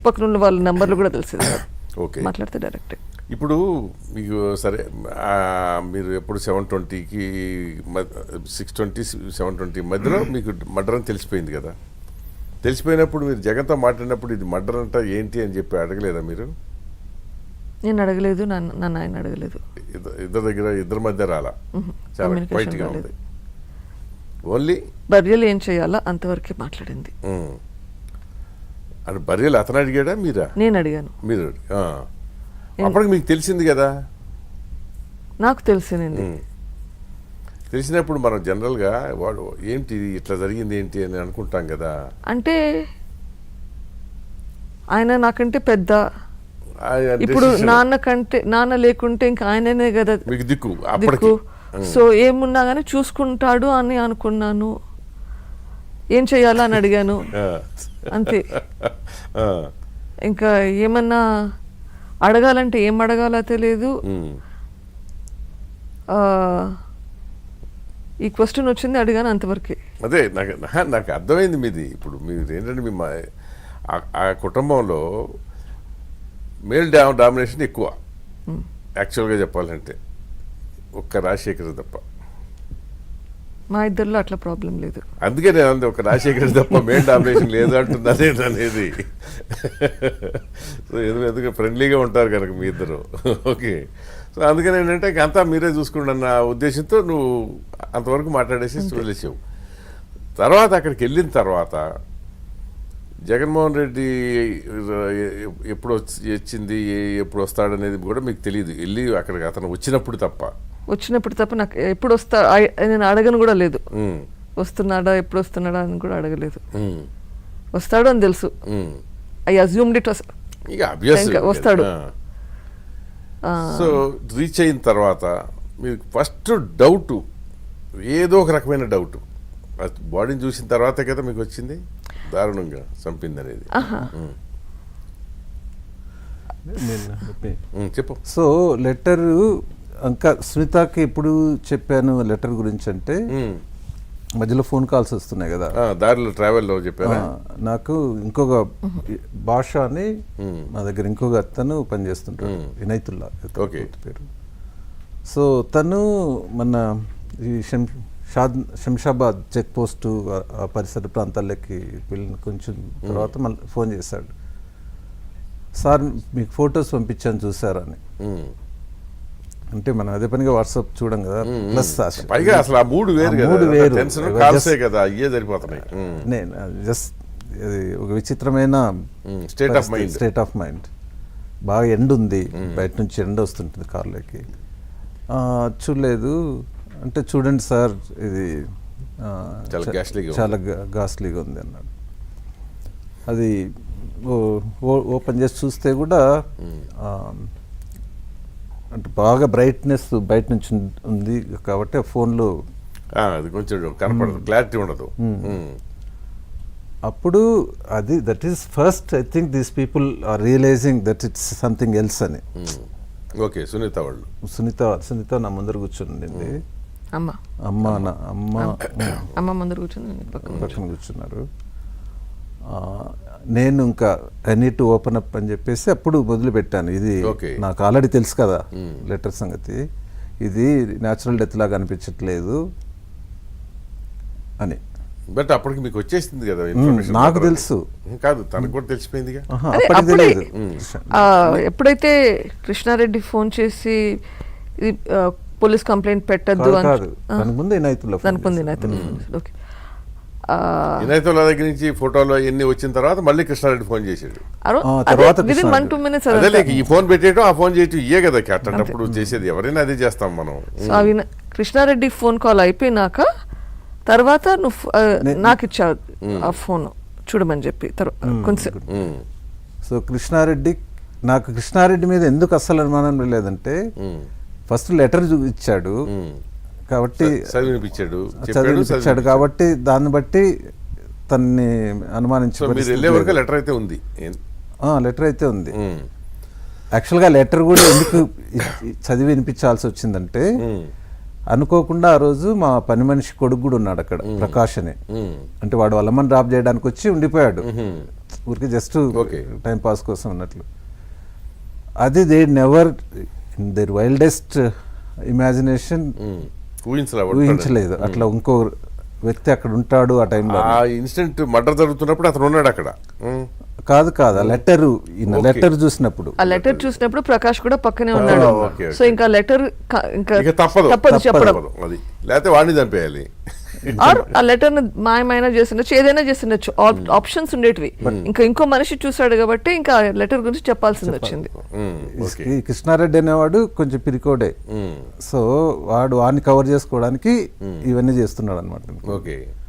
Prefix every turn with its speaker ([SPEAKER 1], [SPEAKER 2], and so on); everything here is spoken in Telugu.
[SPEAKER 1] పక్కన ఉన్న వాళ్ళ నెంబర్లు కూడా తెలిసేది కాదు.
[SPEAKER 2] ఓకే.
[SPEAKER 1] మాట్లాడితే డైరెక్ట్.
[SPEAKER 2] ఇప్పుడు మీకు సరే మీరు ఎప్పుడు 720కి 620 720 మధ్యలో మీకు మర్డర్ అని తెలిసిపోయింది కదా. తెలిసిపోయినప్పుడు మీరు జగన్తో మాట్లాడినప్పుడు ఇది మర్డర్ అంట ఏంటి అని చెప్పి అడగలేదా మీరు?
[SPEAKER 1] నేను అడగలేదు, నన్ను ఆయన అడగలేదు.
[SPEAKER 2] ఇద్దరి మధ్య రాలా, చాలా క్వైట్గా ఉంది. ఓన్లీ
[SPEAKER 1] బర్రెలు ఏం చేయాలా అంతవరకే మాట్లాడింది.
[SPEAKER 2] అంటే బర్రెలు అతను అడిగాడా మీరా?
[SPEAKER 1] నేను అడిగాను.
[SPEAKER 2] మీరు అప్పటికి మీకు తెలిసింది కదా.
[SPEAKER 1] నాకు తెలిసింది.
[SPEAKER 2] తెలిసినప్పుడు మనం జనరల్గా వాడు ఏంటి ఇట్లా జరిగింది ఏంటి అని అనుకుంటాం కదా.
[SPEAKER 1] అంటే ఆయన నాకంటే పెద్ద, ఇప్పుడు నాన్న లేకుంటే ఇంకా ఆయననే కదా
[SPEAKER 2] మీకు దిక్కు.
[SPEAKER 1] సో ఏమున్నా కానీ చూసుకుంటాడు అని అనుకున్నాను. ఏం చెయ్యాలా అని అడిగాను అంతే. ఇంకా ఏమన్నా అడగాలంటే ఏం అడగాలో తెలియదు. ఈ క్వశ్చన్ వచ్చింది, అడిగాను, అంతవరకే.
[SPEAKER 2] అదే నాకు అర్థమైంది మీది. ఇప్పుడు మీరు ఏంటంటే మీ ఆ కుటుంబంలో మేల్ డామినేషన్ ఎక్కువ యాక్చువల్గా చెప్పాలంటే, ఒక్క రాజశేఖర్ తప్ప.
[SPEAKER 1] మా ఇద్దరిలో అట్లా ప్రాబ్లం లేదు.
[SPEAKER 2] అందుకే నేను అంది ఒక రాజశేఖర్ తప్ప మేల్ డామినేషన్ లేదు అంటున్నది అనేది. సో ఎందుకంటే ఫ్రెండ్లీగా ఉంటారు కనుక మీ ఇద్దరు. ఓకే. సో అందుకని ఏంటంటే అంతా మీరే చూసుకుంటా అన్న ఉద్దేశంతో నువ్వు అంతవరకు మాట్లాడేసి వదిలేసావు. తర్వాత అక్కడికి వెళ్ళిన తర్వాత జగన్మోహన్ రెడ్డి ఎప్పుడు వచ్చింది, ఎప్పుడు వస్తాడనేది కూడా మీకు తెలియదు. వెళ్ళి అక్కడికి అతను వచ్చినప్పుడు తప్ప
[SPEAKER 1] నాకు ఎప్పుడు నేను అడగను కూడా లేదు. వస్తున్నాడా, ఎప్పుడు వస్తున్నాడా అని కూడా అడగలేదు. వస్తాడు అని తెలుసు. ఐ అజ్యూమ్డ్ ఇట్ వస్తాడు.
[SPEAKER 2] సో రీచ్ అయిన తర్వాత మీకు ఫస్ట్ డౌట్ ఏదో ఒక రకమైన డౌట్ బాడీని చూసిన తర్వాతే కదా మీకు వచ్చింది దారుణంగా చంపింది అనేది. చెప్పు.
[SPEAKER 3] సో లెటర్ ఇంకా సునీతకి ఎప్పుడు చెప్పాను లెటర్ గురించి అంటే, మధ్యలో ఫోన్ కాల్స్ వస్తున్నాయి కదా
[SPEAKER 2] దారిలో ట్రావెల్లో చెప్పాను.
[SPEAKER 3] నాకు ఇంకొక భాష అని మా దగ్గర ఇంకొక అతను పనిచేస్తుంటాడు, వినయతుల్లా పేరు. సో తను మన ఈ శంషాబాద్ చెక్ పోస్ట్ ఆ పరిసర ప్రాంతాలకి వెళ్ళిన కొంచెం తర్వాత మళ్ళీ ఫోన్ చేశాడు. సార్ మీకు ఫొటోస్ పంపించాను చూసారని. అంటే మనం అదే పనిగా వాట్సాప్ చూడం కదా. ప్లస్
[SPEAKER 2] పైగా అసలు ఆ మూడు వేరు
[SPEAKER 3] నేను జస్ట్ ఒక విచిత్రమైన స్టేట్ ఆఫ్ మైండ్. బాగా ఎండ ఉంది, బయట నుంచి ఎండ వస్తుంటుంది కార్లోకి. చూడలేదు అంటే, చూడండి సార్ ఇది చాలా గాస్లీగా ఉంది అన్నాడు. అది ఓపెన్ చేసి చూస్తే కూడా అంటే బాగా బ్రైట్నెస్ బయట నుంచి ఉంది కాబట్టి ఆ ఫోన్లో
[SPEAKER 2] అది కొంచెం కనపడదు, క్లారిటీ ఉండదు.
[SPEAKER 3] అప్పుడు అది that is first I think these people are realising that it's something else అని.
[SPEAKER 2] ఓకే. సునీత వాళ్ళు
[SPEAKER 3] సునీత నా ముందర కూర్చుంది.
[SPEAKER 1] అమ్మ ముందర
[SPEAKER 3] పక్కన కూర్చున్నారు. నేను ఇంకా I need to open up అని చెప్పేసి అప్పుడు మొదలు పెట్టాను. ఇది నాకు ఆల్రెడీ తెలుసు కదా లెటర్ సంగతి, ఇది న్యాచురల్ డెత్ లాగా అనిపించట్లేదు అని.
[SPEAKER 2] బట్ అప్పటికి మీకు వచ్చేసింది కదా
[SPEAKER 3] నాకు తెలుసు.
[SPEAKER 2] కాదు, తనకు కూడా తెలిసిపోయింది.
[SPEAKER 3] అప్పటికి తెలియదు.
[SPEAKER 1] ఎప్పుడైతే కృష్ణారెడ్డి ఫోన్ చేసి పోలీస్ కంప్లైంట్ పెట్టద్దు
[SPEAKER 3] కాదు, దానికి ముందు
[SPEAKER 2] వినయతుల్లా దగ్గర నుంచి ఫోటోలు ఎన్ని వచ్చిన తర్వాత మళ్ళీ కృష్ణారెడ్డి ఫోన్ చేసాడు. ఈ ఫోన్ పెట్టేయటం, ఆ ఫోన్ చేయటం ఇయే కదా అట్టప్పుడు చేసేది. ఎవరైనా అదే చేస్తాం మనం.
[SPEAKER 1] కృష్ణారెడ్డి ఫోన్ కాల్ అయిపోయినాక తర్వాత నువ్వు నాకు ఇచ్చావు ఆ ఫోన్ చూడమని చెప్పి కొంచెం.
[SPEAKER 3] సో కృష్ణారెడ్డి మీద ఎందుకు అస్సలు అనుమానం లేదంటే, ఫస్ట్ లెటర్ ఇచ్చాడు కాబట్టి చదివినిపించాడు కాబట్టి దాన్ని బట్టి తన్ని అనుమానించారు.
[SPEAKER 2] లెటర్ అయితే ఉంది.
[SPEAKER 3] యాక్చువల్గా లెటర్ కూడా ఎందుకు చదివి వినిపించాల్సి వచ్చిందంటే, అనుకోకుండా ఆ రోజు మా పని మనిషి కొడుకు కూడా ఉన్నాడు అక్కడ, ప్రకాష్ అని. అంటే వాడు వాళ్ళమ్మని డ్రాప్ చేయడానికి వచ్చి ఉండిపోయాడు. ఊరికి జస్ట్
[SPEAKER 2] Okay.
[SPEAKER 3] టైం పాస్ కోసం అన్నట్లు. అది they never in their wildest imagination ఊహించలేదు అట్లా ఇంకో వ్యక్తి అక్కడ ఉంటాడు ఆ టైంలో.
[SPEAKER 2] ఆ ఇన్సిడెంట్ మర్డర్ జరుగుతున్నప్పుడు అతను ఉన్నాడు అక్కడ.
[SPEAKER 3] కాదు ఆ లెటర్ లెటర్ చూసినప్పుడు
[SPEAKER 1] ఆ లెటర్ చూసినప్పుడు ప్రకాష్ కూడా పక్కనే ఉన్నాడు.
[SPEAKER 2] ఓకే,
[SPEAKER 1] సో ఇంకా లెటర్
[SPEAKER 2] ఇక తప్పదు
[SPEAKER 1] చెప్పడం.
[SPEAKER 2] అది లేకపోతే వాడిని చంపేయాలి.
[SPEAKER 1] ఆర్ ఆ లెటర్ ని మాయమైనా చేస్తుండొచ్చు, ఏదైనా చేస్తుండొచ్చు, ఆప్షన్స్ ఉండేటివి. ఇంకా ఇంకో మనిషి చూసాడు కాబట్టి ఇంకా లెటర్ గురించి చెప్పాల్సింది వచ్చింది.
[SPEAKER 3] ఈ కృష్ణారెడ్డి అనేవాడు కొంచెం పిరికోడే, సో వాడు వాడిని కవర్ చేసుకోవడానికి ఇవన్నీ చేస్తున్నాడు అనమాట.
[SPEAKER 2] ఓకే.